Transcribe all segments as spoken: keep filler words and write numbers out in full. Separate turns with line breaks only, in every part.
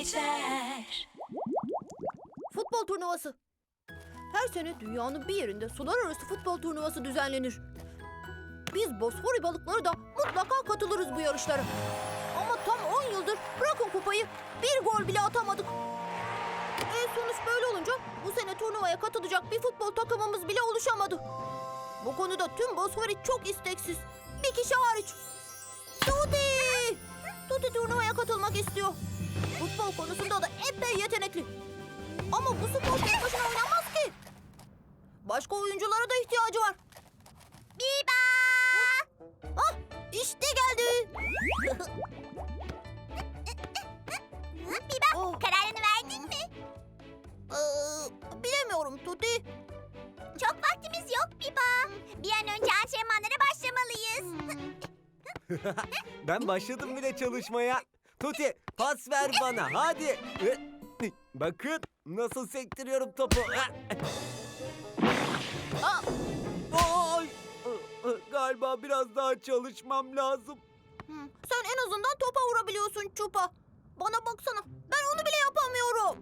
geçer.
Futbol turnuvası. Her sene dünyanın bir yerinde sular arası futbol turnuvası düzenlenir. Biz Bosfori balıkları da mutlaka katılırız bu yarışlara. Ama tam on yıldır bırakın kupayı, bir gol bile atamadık. E sonuç böyle olunca bu sene turnuvaya katılacak bir futbol takımımız bile oluşamadı. Bu konuda tüm Bosfori çok isteksiz. Bir kişi hariç. Tuti! Tuti turnuvaya katılmak istiyor. Futbol konusunda da epey yetenekli. Ama bu spor tek başına oynanmaz ki. Başka oyunculara da ihtiyacı var. Biba! Ah, işte geldi.
Biba,
Oh.
kararını verdin mi?
Ee, bilemiyorum Tuti.
Çok vaktimiz yok Biba. Bir an önce antrenmanlara başlamalıyız.
Ben başladım bile çalışmaya. Tuti pas ver bana hadi. Bakın nasıl sektiriyorum topu.
Aa,
Ay! Galiba biraz daha çalışmam lazım.
hmm, sen en azından topa vurabiliyorsun Çupa. Bana baksana, ben onu bile yapamıyorum.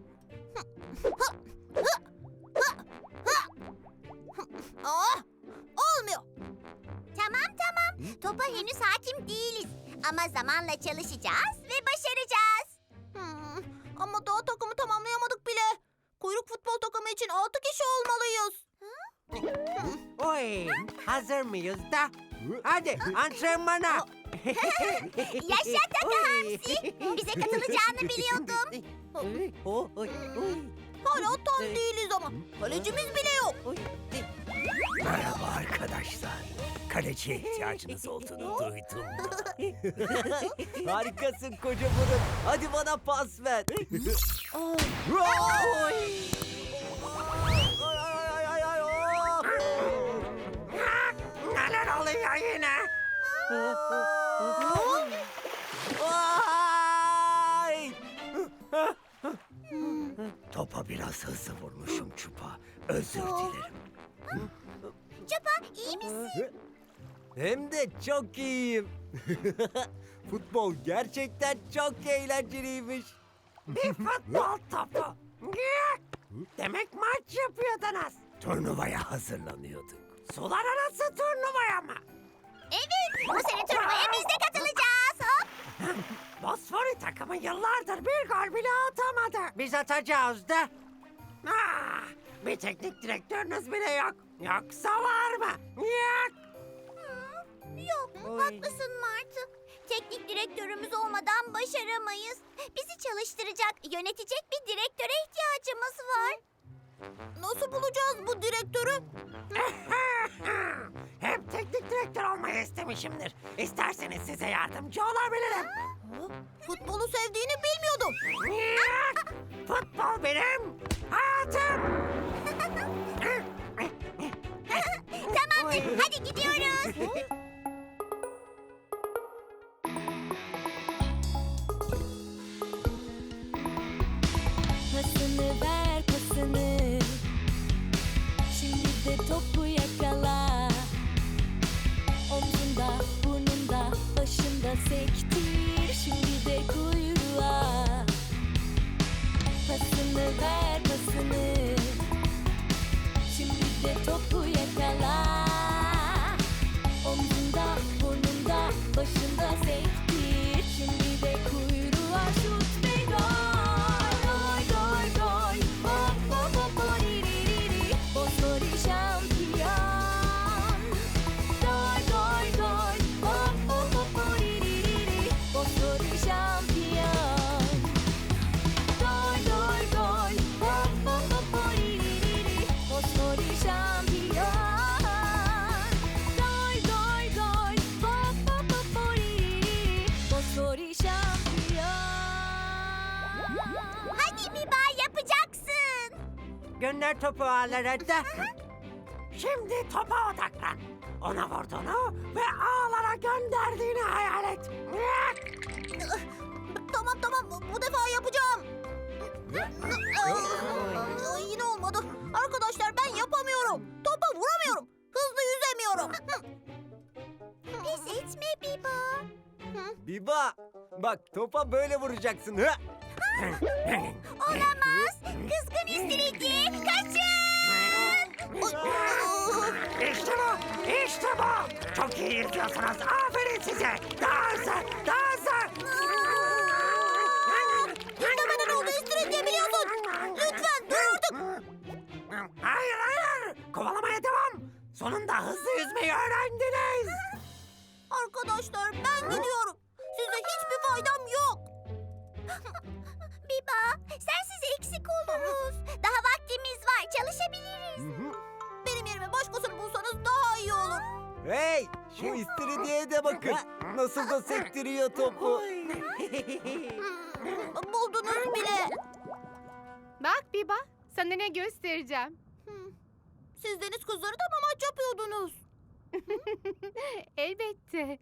Aa, olmuyor.
Tamam tamam. Topa henüz hakim değiliz. Ama zamanla çalışacağız ve başaracağız.
Hmm, ama daha takımı tamamlayamadık bile. Kuyruk futbol takımı için altı kişi olmalıyız.
Oy, hazır mıyız da? Hadi antrenmana.
Yaşa Taka Hamsi. Bize katılacağını biliyordum.
Oy, oy, oy.
Hala tam değiliz ama kalecimiz bile yok.
Merhaba arkadaşlar. Kaleciye ihtiyacınız olduğunu duydum.
Harikasın koca burun. Hadi bana pas ver.
Aa,
Oy! Ay, ay, ay, ay, oh!
Neler oluyor yine?
Ay!
Topa biraz hızlı vurmuşum Çupa. Özür dilerim.
Çupa iyi misin?
Hem de çok iyiyim. Futbol gerçekten çok eğlenceliymiş.
Bir futbol topu. Demek maç yapıyordunuz.
Turnuvaya hazırlanıyorduk.
Sular arası turnuvaya mı?
Evet. Bu sene turnuvaya biz de katılacağız. Hop.
Bosfori takımı yıllardır bir gol bile atamadı. Biz atacağız da. Ah, bir teknik direktörünüz bile yok. Yoksa var mı? Yok.
Yok,
Oy.
haklısın Martı. Teknik direktörümüz olmadan başaramayız. Bizi çalıştıracak, yönetecek bir direktöre ihtiyacımız var.
nasıl bulacağız bu direktörü?
Hep teknik direktör olmayı istemişimdir. İsterseniz size yardımcı olabilirim.
Ha? Futbolu sevdiğini bilmiyordum.
Yok. Futbol benim hayatım.
Tamamdır, hadi gidiyoruz.
Pasını ver pasını. Şimdi de topu yakala. Omzunda, burnunda, başında sektir. Şimdi de kuyruğa. Pasını ver pasını. Şimdi de topu yakala. Omzunda, burnunda, başında sektir. Şimdi de kuyruğa şut ve gol. Gol, gol, gol. Hop, hop, hop, hop, ri, ri, ri, ri. Bosfori şampiyon. Gol, gol, gol. Hop, hop, hop, hop, ri, ri, ri, ri. Bosfori şampiyon. Gol, gol, gol. Hop, hop, hop, hop, ri, ri, ri, ri. Bosfori şampiyon. Gol, gol, gol. Hop, hop, hop, hop, ri, ri, ri, ri. Bosfori şampiyon.
Hadi Biba, yapacaksın.
Gönder topu ağlara da. Şimdi topa odaklan. Ona vurduğunu ve ağlara gönderdiğini hayal et.
Tamam tamam, bu defa yapacağım. Aa, yine olmadı. Arkadaşlar ben yapamıyorum. Topa vuramıyorum. Hızlı yüzemiyorum.
Pes etme Biba.
Biba, bak topa böyle vuracaksın. Hı?
Olamaz. Kızgın istiridye. Kaçın.
İşte bu, işte bu. Çok iyi yırtıyorsunuz. Aferin size. Daha hızlı, daha hızlı.
İstemeden oldu istiridye biliyorsun. Lütfen dur artık.
Hayır, hayır. Kovalamaya devam. Sonunda hızlı yüzmeyi öğrendiniz.
Arkadaşlar ben gidiyorum. Size hiçbir faydam yok. Biba, sensiz eksik oluruz. Daha vaktimiz var, çalışabiliriz. Benim yerime başkasını bulsanız daha iyi olur.
Hey, şu istiridyeye de bakın. Nasıl da sektiriyor topu.
Hmm, buldunuz bile.
Bak Biba, sana ne göstereceğim.
Siz deniz kızları da mı maç yapıyordunuz?
Elbette.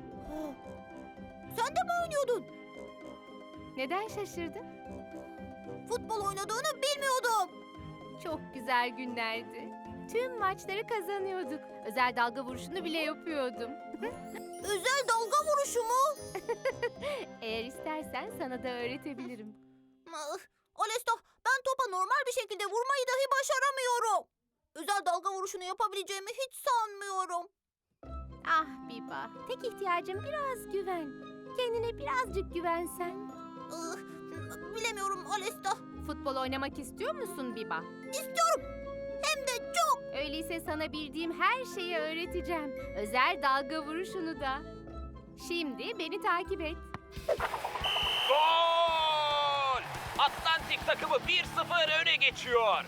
Sen de mi oynuyordun?
Neden şaşırdın?
Futbol oynadığını bilmiyordum.
Çok güzel günlerdi. Tüm maçları kazanıyorduk. Özel dalga vuruşunu bile yapıyordum.
Özel dalga vuruşu mu?
Eğer istersen sana da öğretebilirim.
Ah, Alesta, ben topa normal bir şekilde vurmayı dahi başaramıyorum. Özel dalga vuruşunu yapabileceğimi hiç sanmıyorum.
Ah Biba, tek ihtiyacım biraz güven. Kendine birazcık güvensen.
Ah, bilemiyorum Alesta.
Futbol oynamak istiyor musun Biba?
İstiyorum. Hem de çok.
Öyleyse sana bildiğim her şeyi öğreteceğim. Özel dalga vuruşunu da. Şimdi beni takip et.
Gol! Atlantik takımı bir sıfır öne geçiyor.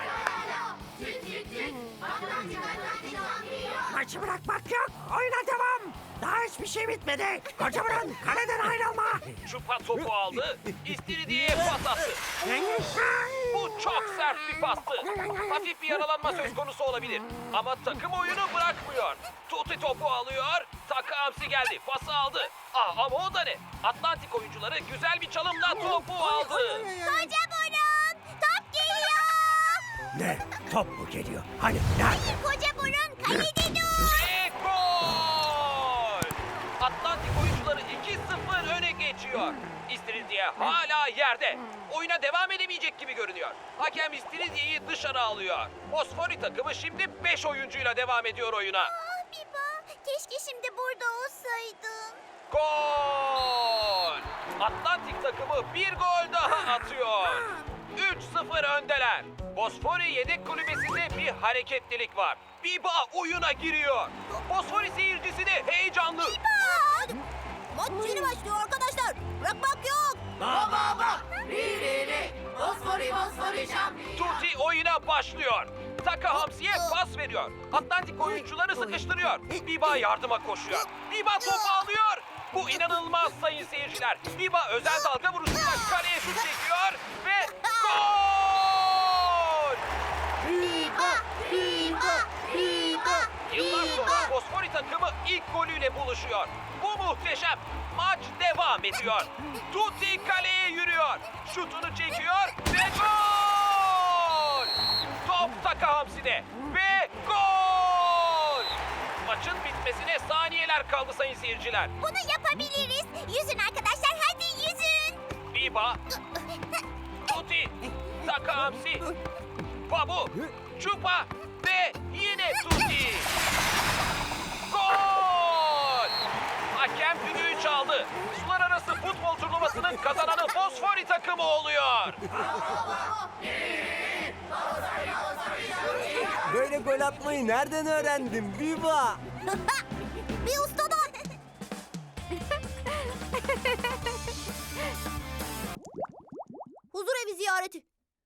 Maçı bırakmak yok. Oyuna devam. Daha hiçbir şey bitmedi. Kocaman kaleden ayrılma.
Çupa topu aldı, İstiridye'ye pas attı. Bu çok sert bir pastı. Hafif bir yaralanma söz konusu olabilir. Ama takım oyunu bırakmıyor. Tuti topu alıyor, Taka Hamsi geldi, pası aldı. Ah, ama o da ne? Atlantik oyuncuları güzel bir çalımla topu aldı.
Koca burun. Top geliyor.
Ne? Top mu geliyor? Hani nerede?
Koca burun kalede dur.
Ve gol! Atlantik oyuncuları iki sıfır öne geçiyor. İstiridye hala yerde. Oyuna devam edemeyecek gibi görünüyor. Hakem İstiridye'yi dışarı alıyor. Fosfori takımı şimdi beş oyuncuyla devam ediyor oyuna.
Ah Biba, keşke şimdi burada olsaydın.
Gol! Atlantik takımı bir gol daha atıyor. üç sıfır öndeler. Fosfori yedek kulübesinde bir hareketlilik var. Biba oyuna giriyor. Fosfori seyircisi de heyecanlı.
Aa, maç yeni başlıyor arkadaşlar. Bırakmak yok.
Tuti oyuna başlıyor. Taka Hamsi'ye pas veriyor. Atlantik oyuncuları sıkıştırıyor. Biba yardıma koşuyor. Biba topu alıyor. Bu inanılmaz sayın seyirciler. Biba özel dalga vuruşuyla kaleye şut çekiyor ve gol!
Biba, Biba, Biba.
Yıllar sonra Fosfori takımı ilk golüyle buluşuyor. Bu muhteşem. Maç devam ediyor. Tuti kaleye yürüyor. Şutunu çekiyor ve gol! Top Taka Hamsi'de ve gol! Maçın bitmesine saniyeler kaldı sayın seyirciler.
Bunu yapabiliriz. Yüzün arkadaşlar, hadi yüzün.
Biba, Tuti, Taka Hamsi, Babu, Çupa ve yine Tuti. Gol! Hakem düdüğü çaldı. Sular arası futbol turnuvasının kazananı Fosfori takımı oluyor.
Böyle gol atmayı nereden öğrendin Biba?
Bir ustadan. Huzur evi ziyareti.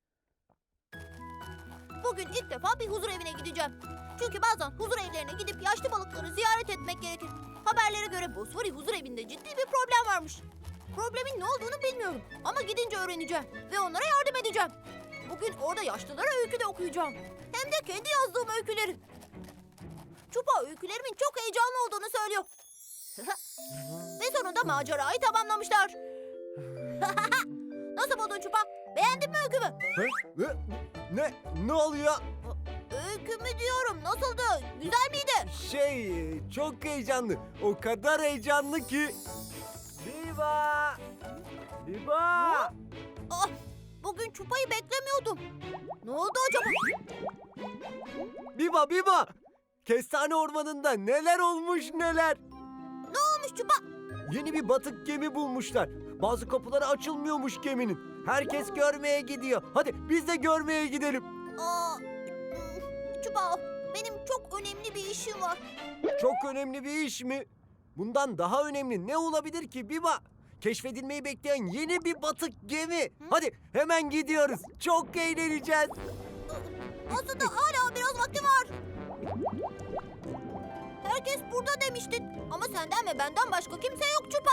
Bugün ilk defa bir huzur evine gideceğim. Çünkü bazen huzur evlerine gidip yaşlı balıkları ziyaret etmek gerekir. Haberlere göre Bosfori huzur evinde ciddi bir problem varmış. Problemin ne olduğunu bilmiyorum ama gidince öğreneceğim ve onlara yardım edeceğim. Bugün orada yaşlılara öykü de okuyacağım. Hem de kendi yazdığım öyküleri. Çupa öykülerimin çok heyecanlı olduğunu söylüyor. Ve sonunda macerayı tamamlamışlar. Nasıl buldun Çupa? Beğendin mi öykümü?
Hı? Hı? Ne? Ne oluyor?
Öykümü diyorum. Nasıldı? Güzel miydi?
Şey, çok heyecanlı. O kadar heyecanlı ki. Biba! Biba!
Ah, bugün Çupa'yı beklemiyordum. Ne oldu acaba?
Biba Biba! Kestane ormanında neler olmuş neler.
Ne olmuş Çupa?
Yeni bir batık gemi bulmuşlar. Bazı kapıları açılmıyormuş geminin. Herkes görmeye gidiyor. Hadi biz de görmeye gidelim.
Aa, hmm, Çupa, benim çok önemli bir işim var.
Çok önemli bir iş mi? Bundan daha önemli ne olabilir ki Biba? Keşfedilmeyi bekleyen yeni bir batık gemi. Hadi hemen gidiyoruz. Çok eğleneceğiz.
Aslında hala biraz vakti var. Herkes burada demiştin. Ama senden ve benden başka kimse yok Çupa.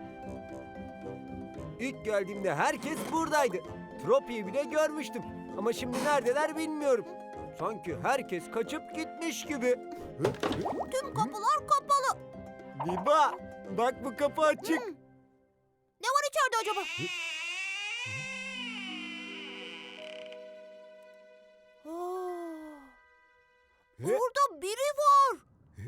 İlk geldiğimde herkes buradaydı. Tropi'yi bile görmüştüm. Ama şimdi neredeler bilmiyorum. Sanki herkes kaçıp gitmiş gibi.
Tüm kapılar kapalı.
Biba, bak bu kapı açık.
Ne var içeride acaba? Aa, burada biri var.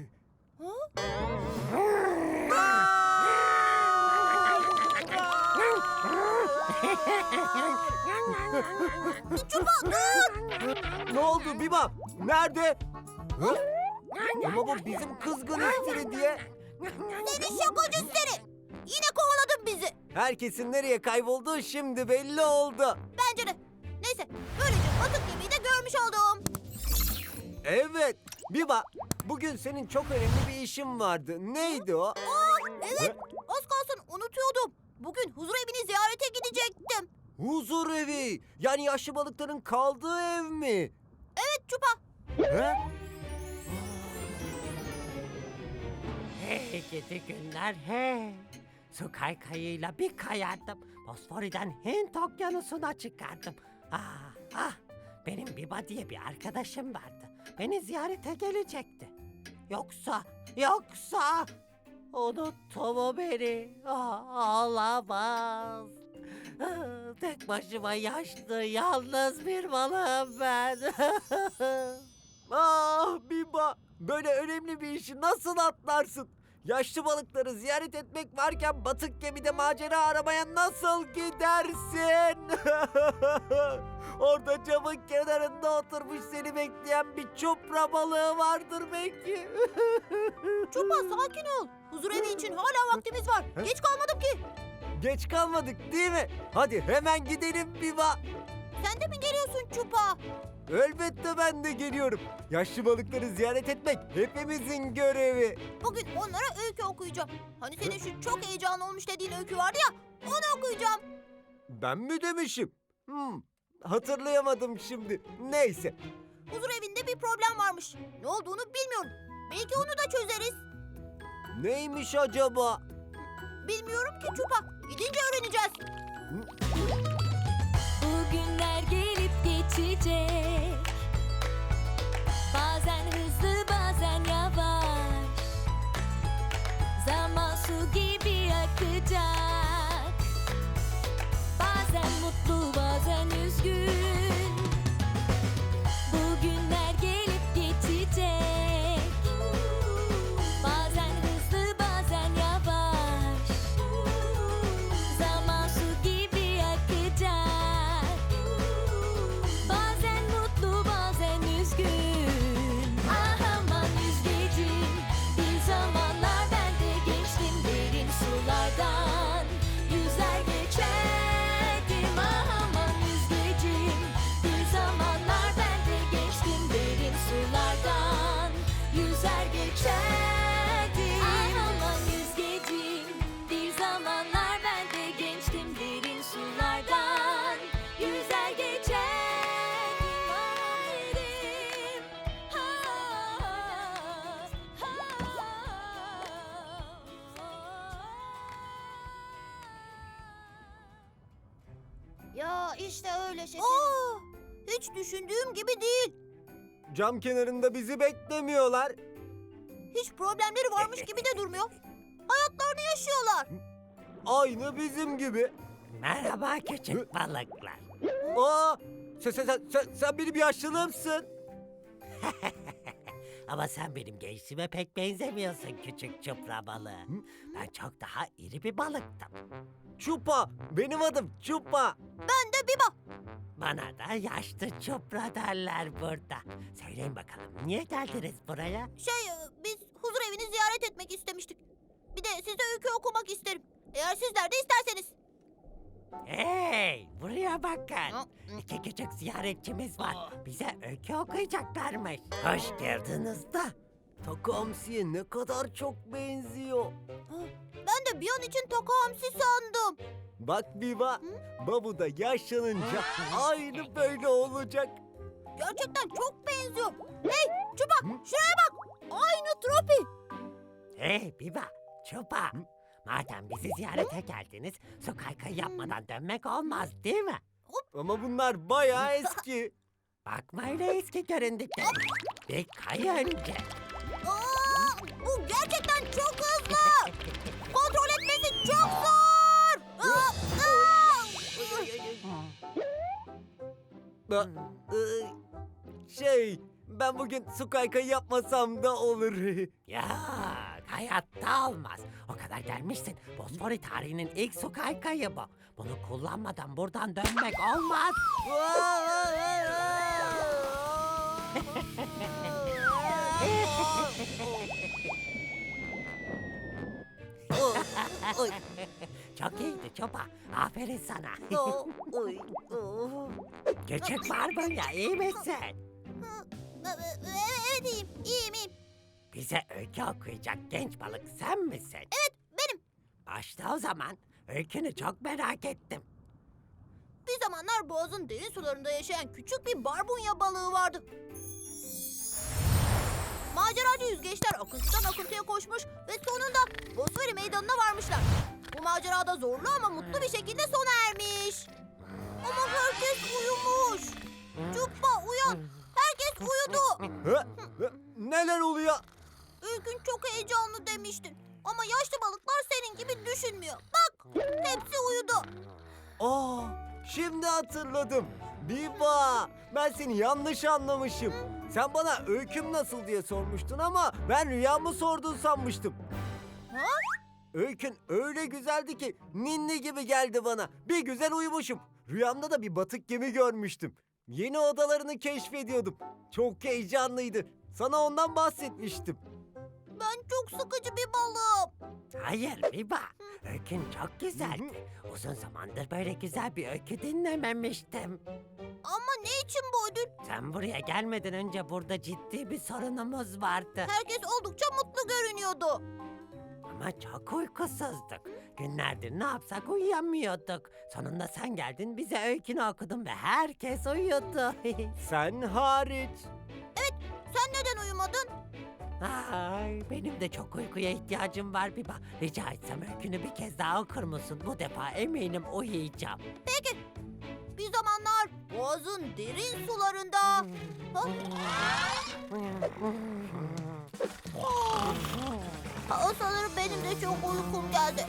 Çupa dur!
Ne oldu Biba? Nerede? Hı? Ama bu bizim kızgın istiri diye.
Seni şakacı seni! Yine kovaladın bizi.
Herkesin nereye kaybolduğu şimdi belli oldu.
Bence de. Neyse, böylece batık gemiyi de görmüş oldum.
Evet. Biba, bugün senin çok önemli bir işin vardı. Neydi o?
Aa, evet, az kalsın unutuyordum. Bugün huzur evini ziyarete gidecektim.
Huzur evi. Yani yaşlı balıkların kaldığı ev mi?
Evet Çupa.
He?
Hey gidi günler hey. Su kaykayıyla bir kayardım. Bosfori'den Hint okyanusuna çıkardım. Ah ah. Benim Biba diye bir arkadaşım vardı. Beni ziyarete gelecekti. Yoksa, yoksa... Unuttu mu beni? Ah, olamaz. Ah, tek başıma yaşlı, yalnız bir balığım ben.
Ah Biba, böyle önemli bir işi nasıl atlarsın? Yaşlı balıkları ziyaret etmek varken batık gemide macera aramaya nasıl gidersin? Orada camın kenarında oturmuş seni bekleyen bir çupra balığı vardır belki.
Çupa sakin ol. Huzur evi için hala vaktimiz var. Geç kalmadık ki.
Geç kalmadık değil mi? Hadi hemen gidelim Biba.
Sen de mi geliyorsun Çupa?
Elbette ben de geliyorum. Yaşlı balıkları ziyaret etmek hepimizin görevi.
Bugün onlara öykü okuyacağım. Hani senin şu çok heyecanlı olmuş dediğin öykü vardı ya, onu okuyacağım.
Ben mi demişim? Hmm, hatırlayamadım şimdi. Neyse.
Huzur evinde bir problem varmış. Ne olduğunu bilmiyorum. Belki onu da çözeriz.
Neymiş acaba?
Bilmiyorum ki Çupa. Gidince öğreneceğiz.
Bugünler gelip geçecek. Bazen hızlı bazen yavaş. Zaman su gibi akacak. Bazen mutlu bazen üzgün. Bugünler gelip geçecek. Bazen hızlı bazen yavaş. Zaman su gibi akacak. Bazen mutlu bazen üzgün. Ah aman yüzgecim, bir zamanlar ben de geçtim derin sulardan. Yüzer geçerdim ah aman yüzgecim, bir zamanlar ben de geçtim derin sulardan. Yüzer geçerdim ah aman yüzgecim, bir zamanlar ben de geçtim derin sulardan. Yüzer geçerdim ah derim.
Ya işte öyle şekerim. Aa, hiç düşündüğüm gibi değil.
Cam kenarında bizi beklemiyorlar.
Hiç problemleri varmış gibi de durmuyor. Hayatlarını yaşıyorlar.
Aynı bizim gibi.
Merhaba küçük balıklar.
Aa, sen, sen, sen, sen, sen benim yaşlılığımsın.
Ama sen benim gençliğime pek benzemiyorsun küçük çupra balığı. Ben çok daha iri bir balıktım.
Çupa, benim adım Çupa.
Ben de Biba.
Bana da yaşlı çupra derler burada. Söyleyin bakalım niye geldiniz buraya?
Şey e, biz huzur evini ziyaret etmek istemiştik. Bir de size öykü okumak isterim. Eğer sizler de isterseniz.
Hey, buraya bakın.
Hı?
İki küçük ziyaretçimiz var. Bize öykü okuyacaklarmış. Hoş geldiniz da.
Taka hamsiye ne kadar çok benziyor.
Ben de bir an için Taka Hamsi sandım.
Bak Biba, babu da yaşlanınca aynı böyle olacak.
Gerçekten çok benziyor. Hey Çupa şuraya bak. Aynı Tropi.
Hey Biba, Çupa. Madem bizi ziyarete geldiniz, su kaykayı yapmadan dönmek olmaz değil mi?
Ama bunlar bayağı eski.
Bakma öyle eski göründükleri. Bir kay önce.
Aa, bu gerçekten çok hızlı. Kontrol etmesi çok zor. Aa, aa.
Ba- ıı, şey, ben bugün su kaykayı yapmasam da olur.
Ya hayatta olmaz. O kadar gelmişsin. Bosfori tarihinin ilk su kaykayı bu. Bunu kullanmadan buradan dönmek olmaz. Çok iyiydi Çopa. Aferin sana. Küçük barbunya iyi misin?
Evet iyiyim, iyiyim, iyiyim.
Bize öykü okuyacak genç balık sen misin?
Evet benim.
Başla o zaman. Öykünü çok merak ettim.
Bir zamanlar boğazın derin sularında yaşayan küçük bir barbunya balığı vardı. Maceracı yüzgeçler akıntıdan akıntıya koşmuş ve sonunda Bosfori meydanına varmışlar. Bu macerada zorlu ama mutlu bir şekilde sona ermiş. Ama herkes uyumuş. Çupa uyan. Herkes uyudu.
Hı? Hı? Neler oluyor?
Ülkün çok heyecanlı demiştin. Ama yaşlı balıklar senin gibi düşünmüyor. Bak hepsi uyudu.
Aa, şimdi hatırladım. Biba, ben seni yanlış anlamışım. Sen bana öyküm nasıl diye sormuştun ama ben rüyamı sordun sanmıştım.
Ha?
Öykün öyle güzeldi ki ninni gibi geldi bana. Bir güzel uyumuşum. Rüyamda da bir batık gemi görmüştüm. Yeni odalarını keşfediyordum. Çok heyecanlıydı. Sana ondan bahsetmiştim.
Ben çok sıkıcı bir balığım.
Hayır Biba. Öykün çok güzeldi. Uzun zamandır böyle güzel bir öykü dinlememiştim.
Ama ne için bu ödül?
Sen buraya gelmeden önce burada ciddi bir sorunumuz vardı.
Herkes oldukça mutlu görünüyordu.
Ama çok uykusuzduk. Günlerdir ne yapsak uyuyamıyorduk. Sonunda sen geldin bize öykünü okudun ve herkes uyudu.
Sen hariç.
Sen neden uyumadın?
Ay, benim de çok uykuya ihtiyacım var Biba. Rica etsem öykünü bir kez daha okur musun? Bu defa eminim uyuyacağım.
Bir zamanlar boğazın derin sularında... Ha? Ha, sanırım benim de çok uykum geldi.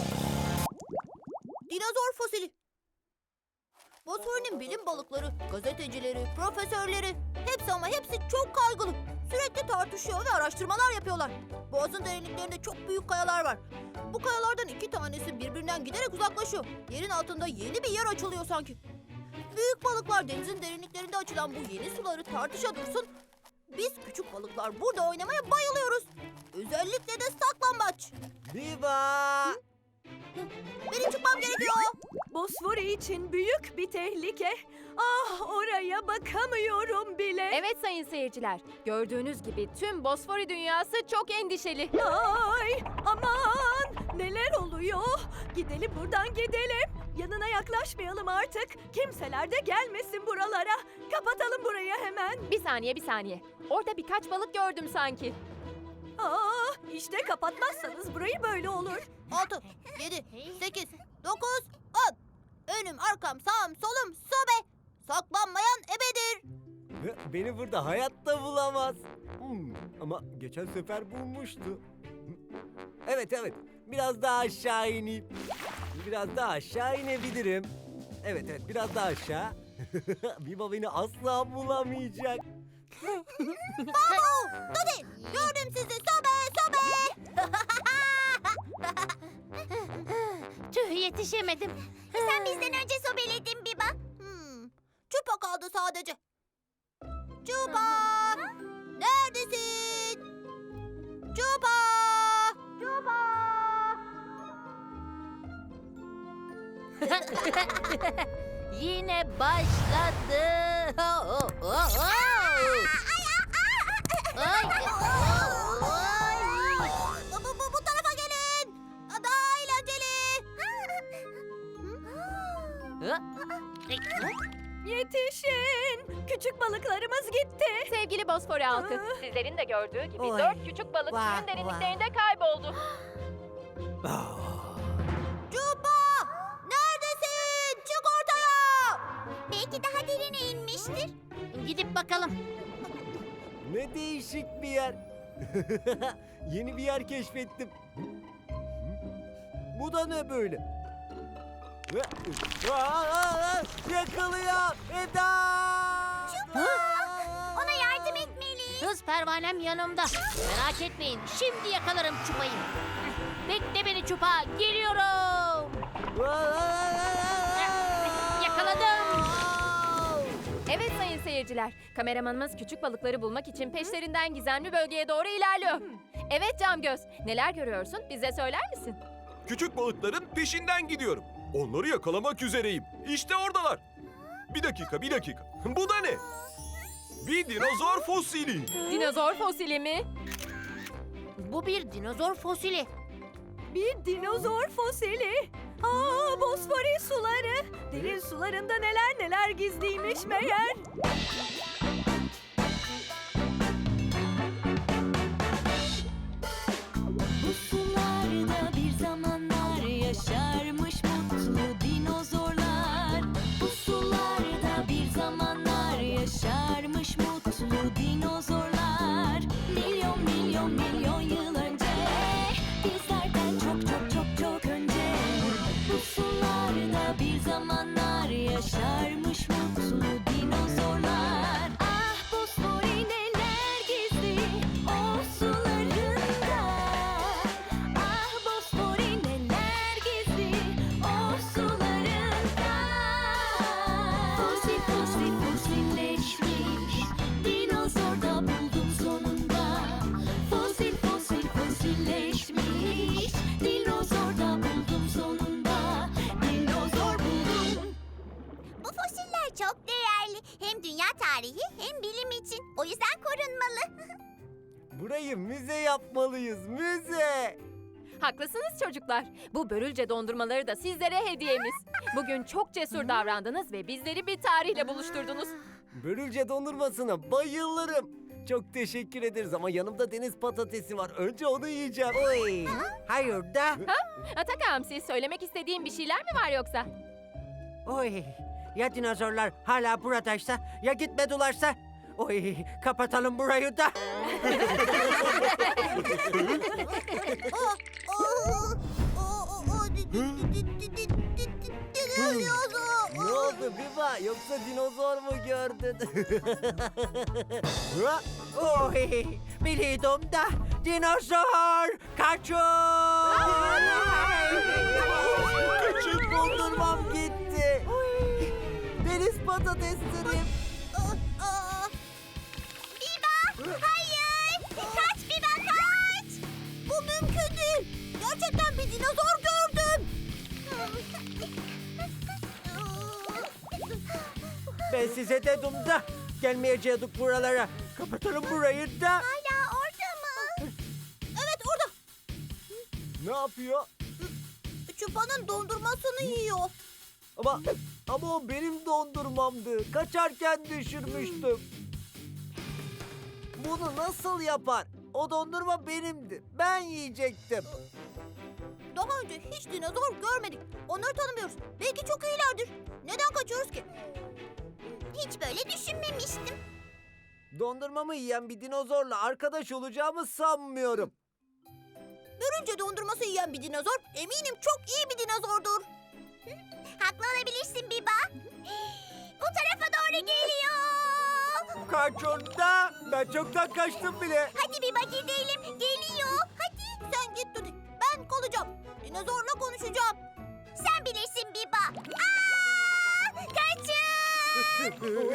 Dinozor fosili. Bosfor'un bilim balıkları, gazetecileri, profesörleri hepsi ama hepsi çok kaygılı. Sürekli tartışıyor ve araştırmalar yapıyorlar. Boğazın derinliklerinde çok büyük kayalar var. Bu kayalardan iki tanesi birbirinden giderek uzaklaşıyor. Yerin altında yeni bir yer açılıyor sanki. Büyük balıklar denizin derinliklerinde açılan bu yeni suları tartışa dursun. Biz küçük balıklar burada oynamaya bayılıyoruz. Özellikle de saklambaç.
Biba!
Benim çıkmam gerekiyor.
Bosfori için büyük bir tehlike. Ah, oraya bakamıyorum bile.
Evet sayın seyirciler, gördüğünüz gibi tüm Bosfori dünyası çok endişeli.
Ay, aman, neler oluyor? Gidelim buradan gidelim. Yanına yaklaşmayalım artık. Kimseler de gelmesin buralara. Kapatalım burayı hemen.
Bir saniye, bir saniye. Orada birkaç balık gördüm sanki.
Aa, işte kapatmazsanız burayı böyle olur.
Altı, yedi, sekiz, dokuz, on. Önüm, arkam, sağım, solum, sobe. Saklanmayan ebedir.
Beni burada hayatta bulamaz. Hmm, ama geçen sefer bulmuştu. Evet evet, biraz daha aşağı ineyim. Biraz daha aşağı inebilirim. Evet evet, biraz daha aşağı. Biba beni asla bulamayacak.
Babu, Dodi, gördüm sizi. Sobe, sobe.
Tüh, yetişemedim. Sen bizden önce sobeledin Biba.
Hmm, Çupa kaldı sadece. Çupa, neredesin? Çupa. Çupa.
Yine başladı. Oh, oh, oh. Ay.
Bu, bu, bu tarafa gelin. Daha eğlenceli.
Yetişin! Küçük balıklarımız gitti. Sevgili Bosfor halkı, sizlerin de gördüğü gibi
Oy.
dört küçük balık
Vah,
suyun derinliklerinde kayboldu.
Çupa, neredesin? Çık ortaya.
Belki daha derine inmiştir. Gidip bakalım.
Ne değişik bir yer. Yeni bir yer keşfettim. Bu da ne böyle? Aa, aa, aa, yakalıyor Eda!
Ona yardım etmeliyiz. Hız pervanem yanımda. Merak etmeyin. Şimdi yakalarım Çupa'yı. Bekle beni Çupa. Geliyorum. Yakaladım.
Evet sayın seyirciler, kameramanımız küçük balıkları bulmak için peşlerinden gizemli bölgeye doğru ilerliyor. Evet Camgöz, neler görüyorsun? Bize söyler misin?
Küçük balıkların peşinden gidiyorum. Onları yakalamak üzereyim. İşte oradalar. Bir dakika, bir dakika. Bu da ne? Bir dinozor fosili.
Dinozor fosili mi?
Bu bir dinozor fosili.
Bir dinozor fosili. Aa, Bosfori suları. Derin sularında neler neler gizliymiş meğer.
Bu sularda bir zamanlar yaşarmış mutlu dinozorlar. Bu sularda bir zamanlar yaşarmış mutlu dinozorlar. Milyon milyon milyon yıl önce, bizlerden çok çok çok çok önce. Bu sularda bir zamanlar yaşarmış mutlu dinozorlar. Ah Bosfori neler gizli o sularında. Ah Bosfori neler gizli o sularında. Fosil fosil fosilleşmiş dinozor da buldum sonunda. Fosil fosil fosilleşmiş dinozor da buldum sonunda. Dinozor buldum.
Bu fosiller çok değerli. Hem dünya tarihi hem bilim için. O yüzden korunmalı.
Burayı müze yapmalıyız, müze.
Haklısınız çocuklar. Bu börülce dondurmaları da sizlere hediyemiz. Bugün çok cesur davrandınız ve bizleri bir tarihle buluşturdunuz.
Börülce dondurmasına bayılırım. Çok teşekkür ederiz ama yanımda deniz patatesi var. Önce onu yiyeceğim.
Oy. Hayır da.
Ataka Hamsi, söylemek istediğin bir şeyler mi var yoksa?
Oy. Ya dinozorlar hala buradaysa ya gitmedilerse. Oy, kapatalım burayı da.
Ne oldu Biba? Yoksa dinozor mu gördün? Ha?
Oy, biliyordum da dinozor kaçın.
Küçük dondurmam gitti. Deniz patateslerim.
Biba! Hayır! Kaç Biba kaç! Bu mümkün değil. Gerçekten bir dinozor gördüm.
Ben size dedim da gelmeyecektik buralara. Kapatalım burayı da.
Hala orada mı? Evet orada.
Ne yapıyor?
Çupa'nın dondurmasını yiyor.
Ama ama o benim dondurmamdı. Kaçarken düşürmüştüm. Bunu nasıl yapar? O dondurma benimdi. Ben yiyecektim.
Daha önce hiç dinozor görmedik. Onları tanımıyoruz. Belki çok iyilerdir. Neden kaçıyoruz ki? Hiç böyle düşünmemiştim.
Dondurmamı yiyen bir dinozorla arkadaş olacağımı sanmıyorum.
Görünce dondurması yiyen bir dinozor eminim çok iyi bir dinozordur. Haklı olabilirsin Biba. Bu tarafa doğru geliyor.
Kaç onda? Ben çoktan kaçtım bile.
Hadi Biba gidelim. Geliyor. Hadi. Sen git Tuti. Ben kalacağım. Dinozorla konuşacağım. Sen bilirsin Biba. Aa! Kaçın!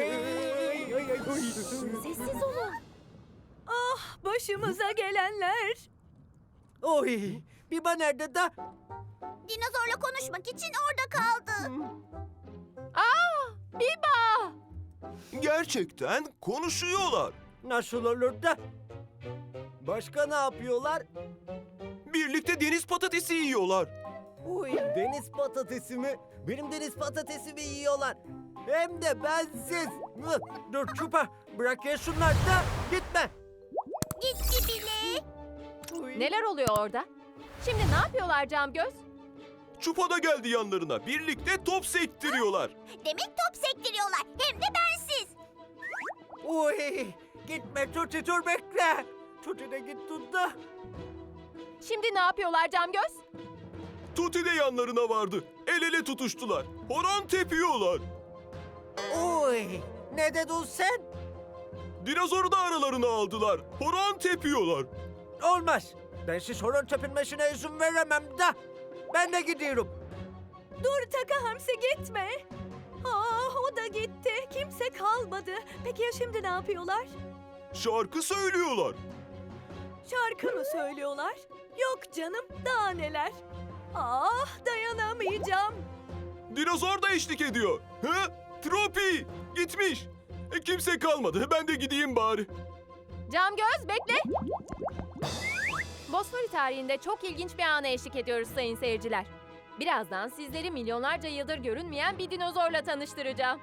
Sessiz olun.
Başımıza gelenler.
Oy, Biba nerede da?
Dinozorla konuşmak için orada kaldı.
Aa, Biba!
Gerçekten konuşuyorlar.
Nasıl olur da? Başka ne yapıyorlar?
Birlikte deniz patatesi yiyorlar.
Uy, deniz patatesi mi? Benim deniz patatesimi yiyorlar. Hem de bensiz. Mıh, Dur Çupa, bırak ya şunları da gitme.
Gitti bile.
Uy.
Neler oluyor orada? Şimdi ne yapıyorlar Camgöz?
Çupa da geldi yanlarına. Birlikte top sektiriyorlar.
Demek top sektiriyorlar. Hem de bensiz.
Uy, gitme Tuti, dur bekle. Tuti de git tut da.
Şimdi ne yapıyorlar Camgöz?
Tuti de yanlarına vardı. El ele tutuştular. Horon tepiyorlar.
Uy, ne dedin sen?
Dinozoru da aralarına aldılar. Horon tepiyorlar.
Olmaz. Ben siz horon tepinmesine izin veremem da. Ben de gidiyorum.
Dur Taka Hamsi gitme. Ah o da gitti. Kimse kalmadı. Peki ya şimdi ne yapıyorlar?
Şarkı söylüyorlar.
Şarkı mı söylüyorlar? Yok canım daha neler. Ah dayanamayacağım.
Dinozor da eşlik ediyor. Hı? Tropi gitmiş. E, kimse kalmadı. Ben de gideyim bari.
Camgöz bekle. Bosfori tarihinde çok ilginç bir ana eşlik ediyoruz sayın seyirciler. Birazdan sizleri milyonlarca yıldır görünmeyen bir dinozorla tanıştıracağım.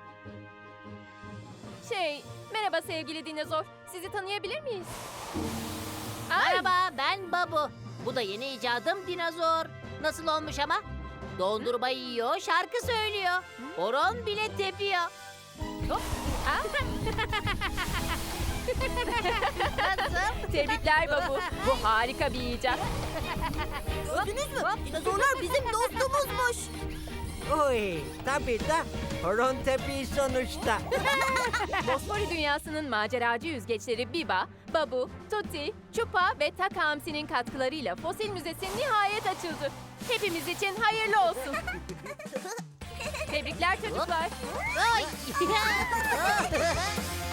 Şey, merhaba sevgili dinozor. Sizi tanıyabilir miyiz? Ay,
Merhaba ben Babu. Bu da yeni icadım dinozor. Nasıl olmuş ama? Dondurma yiyor, şarkı söylüyor. Horon bile tepiyor.
ah. Tebrikler Babu. Bu harika bir icat.
Gördünüz mü? Dinozorlar bizim dostumuzmuş.
Uy, tabii de horon tepi sonuçta.
Bosfori dünyasının maceracı yüzgeçleri Biba, Babu, Tuti, Çupa ve Taka Hamsi'nin katkılarıyla Fosil Müzesi nihayet açıldı. Hepimiz için hayırlı olsun. Tebrikler çocuklar.
Ay.